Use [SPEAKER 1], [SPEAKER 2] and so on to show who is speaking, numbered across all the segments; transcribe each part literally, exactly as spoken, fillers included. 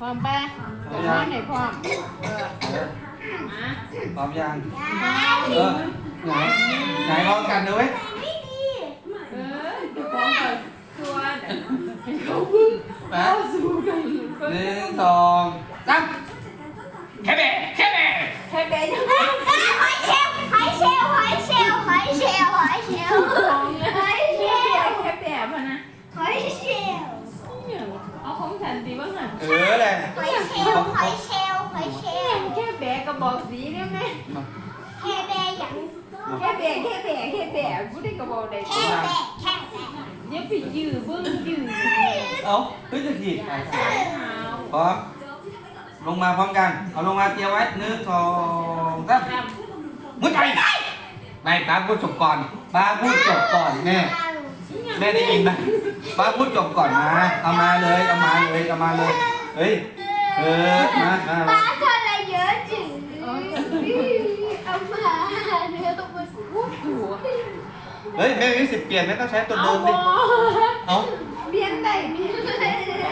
[SPEAKER 1] พร้อมปะพร้อมไหนพร้อมเออมา
[SPEAKER 2] พร้อมยังเออไหนไหนพร้อมกันเลย
[SPEAKER 1] เออจะพร้อมกับตัวเขาพึ่งเข้าสู่กัน
[SPEAKER 2] หนึ่งสองสามแค่แบะแค่แบะ
[SPEAKER 1] แค่เบย์ยัง
[SPEAKER 3] หอยเชลล์หอยเชลล์หอยเชลล์หอยเชลล์หอยเชลล์
[SPEAKER 1] พร้อมเลยแค่แบบพะนะ
[SPEAKER 3] หอยเชลล์
[SPEAKER 1] เอาของฉันดีบ้างอ่ะ
[SPEAKER 2] เออแหละ
[SPEAKER 3] หอยเชลล์หอยเชลล์หอยเชลล์
[SPEAKER 1] แค่แบกกระบอกสีได้ไหม
[SPEAKER 3] แค่แบอย่าง
[SPEAKER 1] แค่แบกแค่แบกแค่แบกกูได้กระบอกได้
[SPEAKER 3] แค่แบแค่แบ
[SPEAKER 1] เดี๋ยวไปยื้อเบิ้งยื้อ
[SPEAKER 2] เอาเฮ้ยจะถีบ
[SPEAKER 1] เท้า
[SPEAKER 2] พร้อมลงมาพร้อมกันเอาลงมาเตรียมไว้หนึ่งสองสามมุดไปไม่ป้าพูดจบก่อนป้าพูดจบก่อนแม่แม่ได้ยินไหมป้าพูดจบก่อนมาเอามาเลยเอามาเลยเอามาเลยเฮ้ยเออมามา
[SPEAKER 3] ป้าทำอะไรเยอะจึงเอามาเนื้อตัวมัน
[SPEAKER 1] พูดถูก
[SPEAKER 2] เฮ้ยแม่มีสิทธิ์เปลี่ยนไม่ต้องใช้ตัว
[SPEAKER 1] เอา
[SPEAKER 2] เดิม
[SPEAKER 1] บ
[SPEAKER 2] ดิ
[SPEAKER 1] อ
[SPEAKER 2] เอา
[SPEAKER 1] เปลี่ยนได้เปลี่ยนได้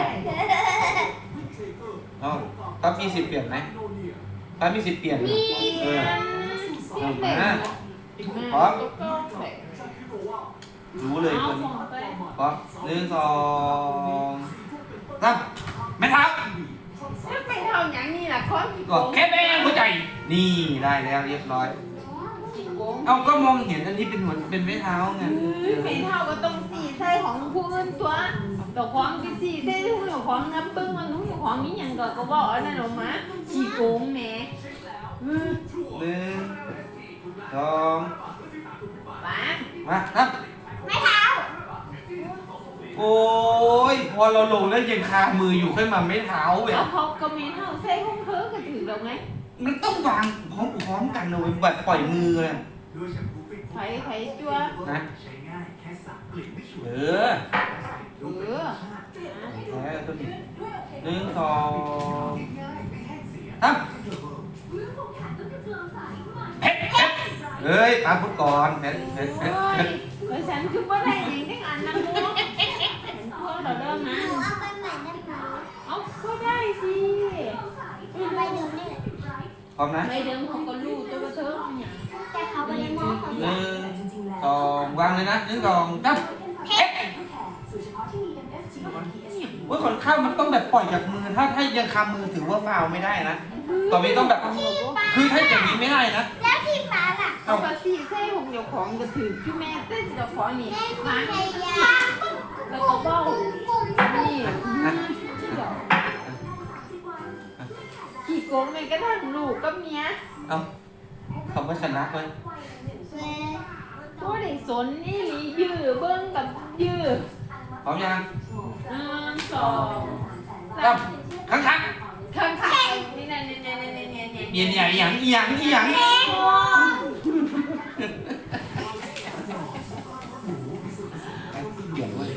[SPEAKER 2] เอาป้ามีสิทธิ์เปลี่ยนไหมป้ามีสิทธิ์เปลี่ยนไหมเออเอามาพร้อมรู้เลยคนนี้พร้อมหนึ่งสองสามไม่ทับ
[SPEAKER 1] ไม่เท่าอย่างนี้ล่ะคน
[SPEAKER 2] ก็แค่แม่หัวใจนี่ได้แล้วเรียบร้อย เอาก็มองเห็นอันนี้เป็นหัวเป็นไม้เท้าไง
[SPEAKER 1] ไม่เท่าก็ต้องสีใส่ของผู้อื่นตัวแต่ของที่สีใส่ผู้เจ้าของน้ำปึ้งมันนู้นของนี้ยังก็ก็บอกนั่นออกมาขี้โกงแหม
[SPEAKER 2] หนึ่งสอง
[SPEAKER 1] ป้า
[SPEAKER 2] มาครับ
[SPEAKER 3] ไม่เท้า
[SPEAKER 2] โอ้ยพอเราลงแล้วยังคามืออยู่ค่อยมาไม้เท้าแบ
[SPEAKER 1] แล้ว
[SPEAKER 2] บ
[SPEAKER 1] พอก็มีเท่าใส่ของเธอก็ถือเราไง
[SPEAKER 2] มันต้องวางพร้อมพร้อมกันเลยแบบปล่อยมือเลย
[SPEAKER 1] ไผ่ไผ่จัว
[SPEAKER 2] นะเออ
[SPEAKER 1] เออ
[SPEAKER 2] แพ้ตัวนี้หนึ่งสองสามเผ็ดเผ็ดเฮ้ยตามพูดก่อนเผ็ดเผ็ด
[SPEAKER 1] โอ้
[SPEAKER 2] เผ็ด
[SPEAKER 1] ย
[SPEAKER 2] เผ็ด
[SPEAKER 1] เออฉันคือว่าได้ยังทั้งอันนะมูพวกเราเริ่มนะ
[SPEAKER 3] หนูเอาไปใหม่ได้ไหม
[SPEAKER 1] เอาก็ได้สิ
[SPEAKER 3] เอาไปดูนี่
[SPEAKER 2] พร้อมนะ
[SPEAKER 1] ไม่เดิมของก็รู้ตัวว่าเธอเนี่ย
[SPEAKER 3] แต่เขาไม่ได้มองเขา
[SPEAKER 2] หนึ่งสองวางเลยนะหนึ่งสองสามเผ็ดว่าคนข้าวมันต้องแบบปล่อยจากมือถ้าถ้ายังคำมือถือว่าฟาวไม่ได้นะต่อไปต้องแบบคือถ้าอย่างนี้ไม่ได้นะ
[SPEAKER 3] แล้วที่ป้าล่ะ
[SPEAKER 1] เอากระสีใส่ของเจ้าของก็ถือคือแม่เต้นเจ้าของนี่
[SPEAKER 3] แม่
[SPEAKER 1] ล้าง
[SPEAKER 3] พยายาม
[SPEAKER 1] แล้วก็เบ้านี่ขี่โกงเลยก็ทั้งลูกกับเมีย
[SPEAKER 2] เอาคำว่าชนะเลย
[SPEAKER 1] ก็ได้สนนี่ลียื้อเบิ้งกับยื้อ
[SPEAKER 2] พร้อมยัง
[SPEAKER 1] หนึ่งสอง
[SPEAKER 2] สามครั้งครั้ง
[SPEAKER 1] ข้างข้างนี่นี่นี่นี่นี่นี่นี่
[SPEAKER 2] เย็นใหญ่หยังหยังหยังเดี๋ยวเลย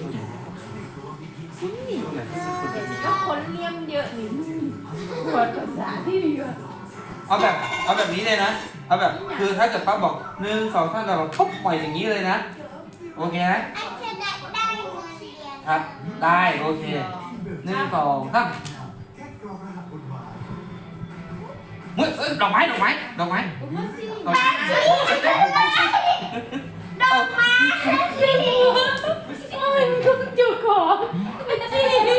[SPEAKER 1] ก็คนเลี้ยมเยอะนี่ปวดภาษาที่เยอะ
[SPEAKER 2] เอาแบบเอาแบบนี้เลยนะเอาแบบคือถ้าเกิดป้าบอกหนึ่งสองสามเราปุ๊บปล่อยอย่างนี้เลยนะโอเคไหม
[SPEAKER 3] อันจะได้ได้เงินเรียน
[SPEAKER 2] ครับได้โอเคหนึ่งสองสามเฮ้ยเอ้ยดอกไม้ดอกไม้ดอกไม้ดอกไม้
[SPEAKER 3] ดอกไม้สิ
[SPEAKER 1] โอ้ยก็เจ้าของจี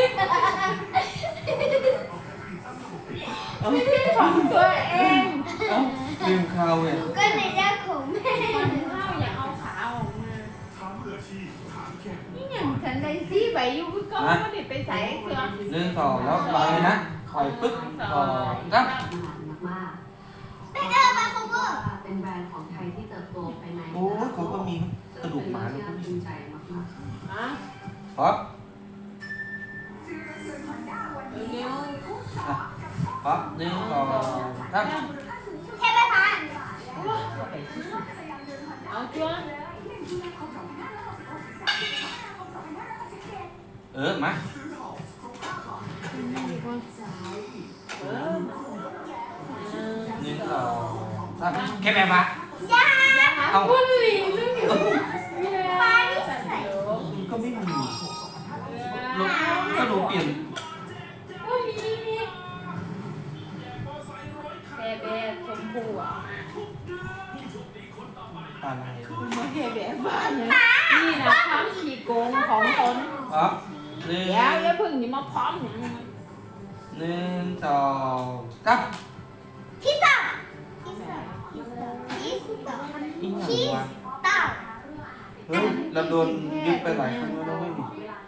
[SPEAKER 1] ไม่ใช่ของตัวเอง
[SPEAKER 2] เอ้าลืมข้าวเว้ย
[SPEAKER 3] ก็ในเรื่องของแม่
[SPEAKER 1] มันเล่าอย่าเอาขาออกมานี่อย่างฉันได้ซีใบอยู่ก็ไม่ได้ไปใส่เครื่อง
[SPEAKER 2] หนึ่งสองแล้ววางเลยนะปล่อยปึ๊บสองสาม
[SPEAKER 3] ไปเจอมาโคเวอร์
[SPEAKER 4] เป็นแบรนด์ของไทยที่เติบโตภายใน
[SPEAKER 2] โอ้ยเขาก็มีกระดูกหมาเลย
[SPEAKER 4] น่าภูมิใจมาก
[SPEAKER 1] อ่ะ
[SPEAKER 2] พร้อม
[SPEAKER 1] เร็ว
[SPEAKER 2] อ่ะพร้อมหนึ่งสองสาม
[SPEAKER 3] ใช่ไหมคะ
[SPEAKER 1] เอาจ้ว
[SPEAKER 2] เออมา
[SPEAKER 1] เออ
[SPEAKER 2] หนึ่งสองสามแค่แม่มา
[SPEAKER 3] ย่า
[SPEAKER 1] เอาบุหรี่เรื่องอยู่
[SPEAKER 3] ปลาที่ใส่
[SPEAKER 2] ก็ไม่มีลูกก็หนูเปลี่ยน
[SPEAKER 1] โอ้ยมีมี
[SPEAKER 2] พร้อมหนึ่ง
[SPEAKER 1] เดี๋ยวอย่าเพึ่งอย่ามาพร้อมอย่าง
[SPEAKER 2] หนึ่งสองสาม
[SPEAKER 3] พิซซ่าพิซซ่าพิซซ่าพิซซ่า
[SPEAKER 2] อีกห
[SPEAKER 3] พิ
[SPEAKER 2] นึ่ง
[SPEAKER 3] ซ
[SPEAKER 2] วะ
[SPEAKER 3] ซ่า
[SPEAKER 2] เฮ้ยเราโดนยึดไปหลายครั้งแล้วไม่มี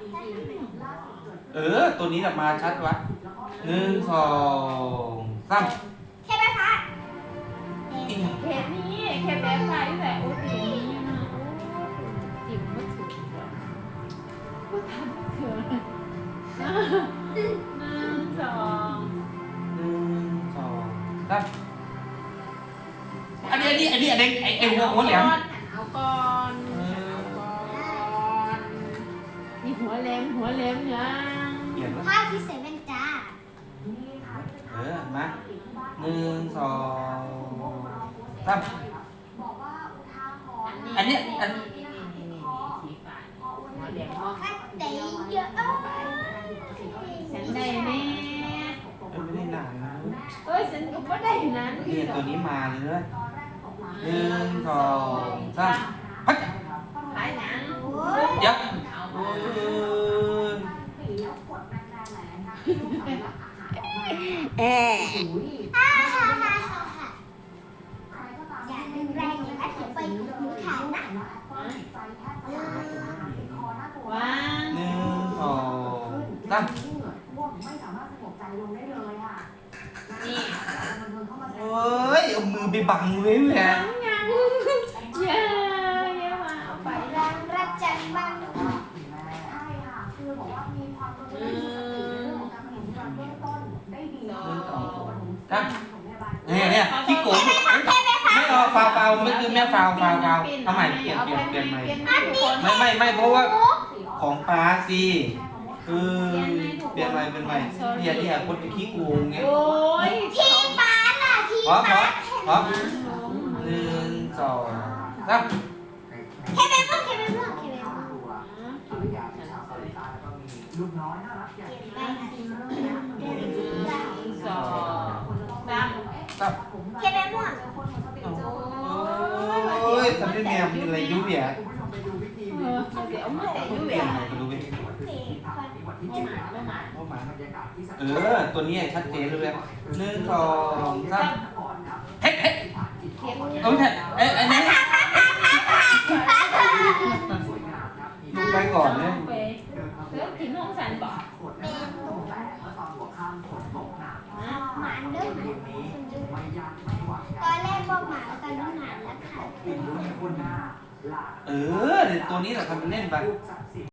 [SPEAKER 2] เออตัวนี้แหละมาชัดวะหนึ่งสองสาม
[SPEAKER 3] แค่ไหมคะ
[SPEAKER 2] อีกหนึ่ง
[SPEAKER 1] เขตนี้เขตแบบไฟแต่โอ้ตีนี้นะโอ้จิ๋มไม่ถูกก็ทำเถอะหนึ่งสอง
[SPEAKER 2] หนึ่งสองสามอันนี้อันนี้อันนี้อันนี้ไอไอหัวหัวแหลม
[SPEAKER 1] เอาก่อนเอาก่อนนี่หัวแหลมหัวแหลมยัง
[SPEAKER 2] เปลี่ยนวะ
[SPEAKER 3] ผ้าพิเศษเป็นจ้า
[SPEAKER 2] เออมาหนึ่งสองสาม อันเนี้ยอัน
[SPEAKER 1] นี่นี่นี่นี่สีฟ้าหัวแหลมเนาะ
[SPEAKER 3] ถ้าเตะเยอะเอ้ย
[SPEAKER 1] ฉันได้แน่
[SPEAKER 2] เอ้ยไม่ได้นานนะ
[SPEAKER 1] เอ้ยฉันก็ไม่ได้นั้น
[SPEAKER 2] เนี่ยตัวนี้มาเลยนะหนึ่งสองสามพัด
[SPEAKER 1] ขายหนัง
[SPEAKER 2] ยับ
[SPEAKER 1] เอา
[SPEAKER 2] เอ้ย
[SPEAKER 3] เอ๊ะฮ่าฮ่าฮ่าฮ่าฮ่าอย่าดึงแรงอย่างนั้นเดี๋ยวไปหนูขาดนะ
[SPEAKER 1] วาง
[SPEAKER 2] หนึ่งสองสาม
[SPEAKER 4] ไม่สามารถสงบใจลงได้เลยค่ะ
[SPEAKER 1] นี่
[SPEAKER 2] เอ้ยเอามือไปบังไว้แหว
[SPEAKER 1] ยังยังอย่าอย่ามาเอาไป
[SPEAKER 3] แรงรักจังบ้าง
[SPEAKER 4] ใช่ค่ะคือบอกว่ามีความรู้ในเรื่องของการผลิตภัณฑ์เบื้องต้นได้ดี
[SPEAKER 2] หนึ่งสองสาม
[SPEAKER 4] ของพยาบาล
[SPEAKER 2] เนี่ยเนี่ยขี้โกงไม่เอาฟาวฟาวไม่คือแม่ฟาวฟาวฟาวทำไมเปลี่ยนเปลี่ยนเปลี่ยนใหม่ไม่ไม่ไม่เพราะว่าของป้าสิคือเปลี่ยนใหม่เป็นใหม่เนี่ยเนี่ยคนเป็นขี้โกงไง
[SPEAKER 1] โอ้ย
[SPEAKER 3] ที่ฟ้าล่ะที่
[SPEAKER 2] พร้อมพร้
[SPEAKER 3] ฟ้า
[SPEAKER 2] อมพร้อมหนึ่งสองสาม
[SPEAKER 3] แค่เป็นพวกแค่เป็นพวกแค่เป็นพวก
[SPEAKER 4] ลูกน้อยน่ารักอย่าง
[SPEAKER 3] ไปนะ
[SPEAKER 1] สองสาม
[SPEAKER 2] สาม
[SPEAKER 3] แค่เป็นพวก
[SPEAKER 2] โอ้ยทำได้แนวมีอะไรยุ่ยแย่
[SPEAKER 1] เออเดี๋ยวมาแต่ยุ่ย
[SPEAKER 2] เปลี่ยน
[SPEAKER 1] อ่ะ
[SPEAKER 2] ใหม่ไปดูไป
[SPEAKER 1] ไม่หมาไม่หมา
[SPEAKER 2] ว่าหมาเออตัวนี้ชัดเจนเลยหนึ่งสองสามเฮ้ยเฮ้ย
[SPEAKER 1] เทียบ
[SPEAKER 2] เอาไม่ใช่เอ้ยอันนี้ดูไปก่อนเลย
[SPEAKER 1] ไปเสือกินห้องสันบอก
[SPEAKER 3] เป็นลูกหมาเด้อตอนแรกบอกหมาตอนนี้หมาแล้วค่ะ
[SPEAKER 2] เออตัวนี้แหละทำเป็นเล่นไป